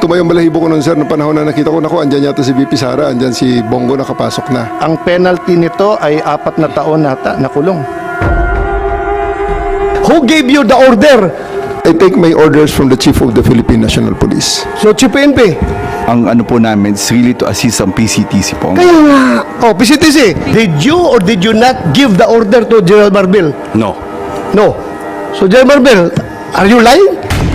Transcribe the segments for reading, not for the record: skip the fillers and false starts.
tumayong balahibo ko nun, sir, ng panahon na nakita ko, naku, andyan yata si VP Sara, andyan si Bongo nakapasok na. Ang penalty nito ay 4 na taon nata na kulong. Who gave you the order? I take my orders from the Chief of the Philippine National Police. So, Chief PNP. Ang ano po namin is really to assist ang PCTC po. Kaya nga. Oh, PCTC, did you or did you not give the order to General Marbil? No. No. So, General Marbil, are you lying?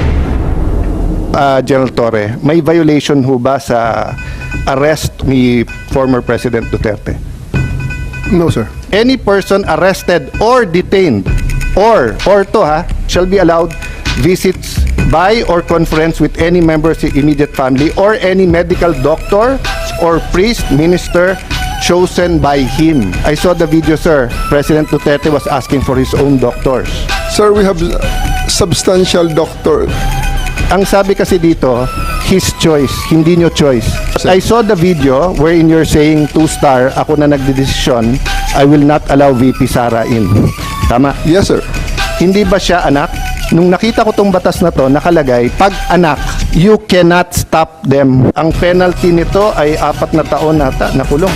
General Torre, may violation ho ba sa arrest ni former President Duterte? No, sir. Any person arrested or detained or shall be allowed visits by or conference with any member of his immediate family or any medical doctor or priest, minister chosen by him. I saw the video, sir. President Duterte was asking for his own doctors. Sir, we have substantial doctor. Ang sabi kasi dito, his choice, hindi nyo choice. I saw the video wherein you're saying 2-star, ako na nagdedesisyon, I will not allow VP Sara in. Tama? Yes, sir. Hindi ba siya anak? Nung nakita ko tong batas na to, nakalagay, pag anak, you cannot stop them. Ang penalty nito ay 4 na taon nata na kulong.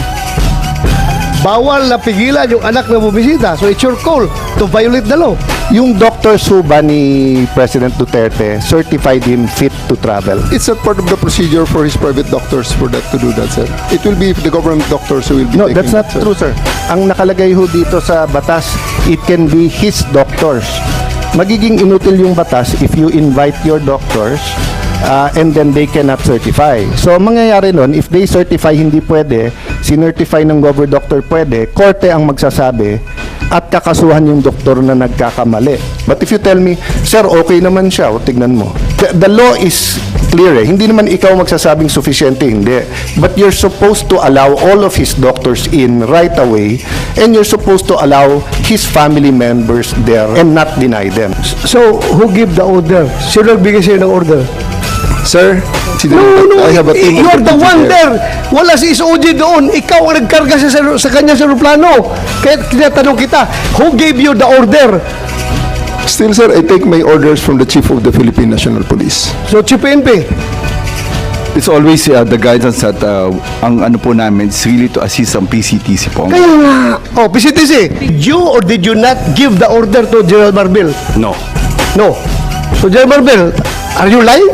Bawal na pigilan yung anak na bumisita. So, it's your call to violate the law. Yung doctor suba ni President Duterte certified him fit to travel. It's not part of the procedure for his private doctors for that to do that, sir. It will be the government doctors who will be No, taking that's not that, sir. true, sir. Ang nakalagay ho dito sa batas, it can be his doctors. Magiging inutil yung batas if you invite your doctors and then they cannot certify. So, mangyayari nun, if they certify hindi pwede, sinertify ng gover doctor pwede, korte ang magsasabi at kakasuhan yung doktor na nagkakamali. But if you tell me, sir, okay naman siya, o tignan mo. The law is clear eh. Hindi naman ikaw magsasabing sufficiente, hindi. But you're supposed to allow all of his doctors in right away and you're supposed to allow his family members there and not deny them. So, who give the order? Sino nagbigay sa'yo ng order? Sir, No, I have a team you of are the deputy one there. there. Wala si SOG doon. Ikaw ang nagkarga sa kanya sa aeroplano. Kaya tinatanong kita, who gave you the order? Still, sir, I take my orders from the Chief of the Philippine National Police. So, Chief PNP. It's always the guidance that ang ano po namin is really to assist ang PCTC po. Kaya nga. Oh, PCTC, did you or did you not give the order to General Marbil? No. No. So, General Marbil, are you lying?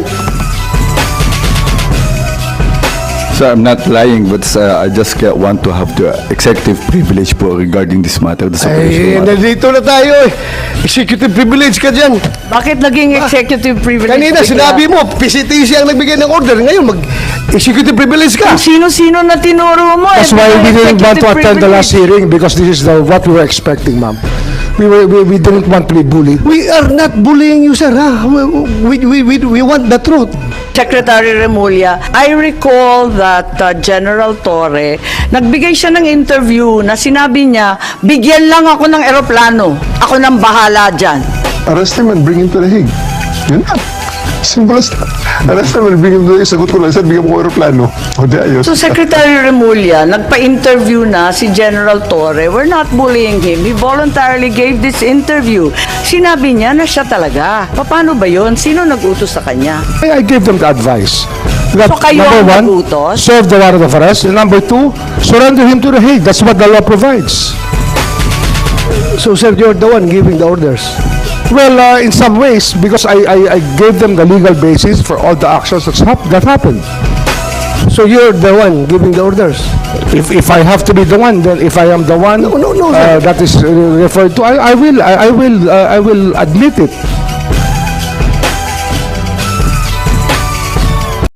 So I'm not lying, but I just want to have the executive privilege po regarding this matter. This Ay, operational matter. nandito na tayo eh. Executive privilege ka dyan. Bakit naging executive privilege? Kanina, bigla? sinabi mo, PCTC ang nagbigay ng order. Ngayon, mag-executive privilege ka. Kung sino-sino na tinuro mo. That's why we didn't want to attend the last hearing because this is what we were expecting, ma'am. We didn't want to be bullied. We are not bullying you, sir. Ha? We want the truth. Secretary Remulla, I recall that General Torre, nagbigay siya ng interview na sinabi niya, bigyan lang ako ng eroplano. Ako nang bahala dyan. Arrest him and bring him to the Hague. Yun na. Simple as that. Arrest him and bring him to the Hague. Sagot ko lang, sir, bigyan mo ko aeroplano. O di ayos. So Secretary Remulla, nagpa-interview na si General Torre. We're not bullying him. He voluntarily gave this interview. Sinabi niya na siya talaga. Paano ba yun? Sino nag-utos sa kanya? I gave them the advice. That, So kayo ang number 1, nagutos? serve the warrant of arrest. And number 2, surrender him to the Hague. That's what the law provides. So, sir, you're the one giving the orders. Well, in some ways, because I gave them the legal basis for all the actions that happened. So, you're the one giving the orders. If I have to be the one, then if I am the one No, sir. that is referred to, I will admit it.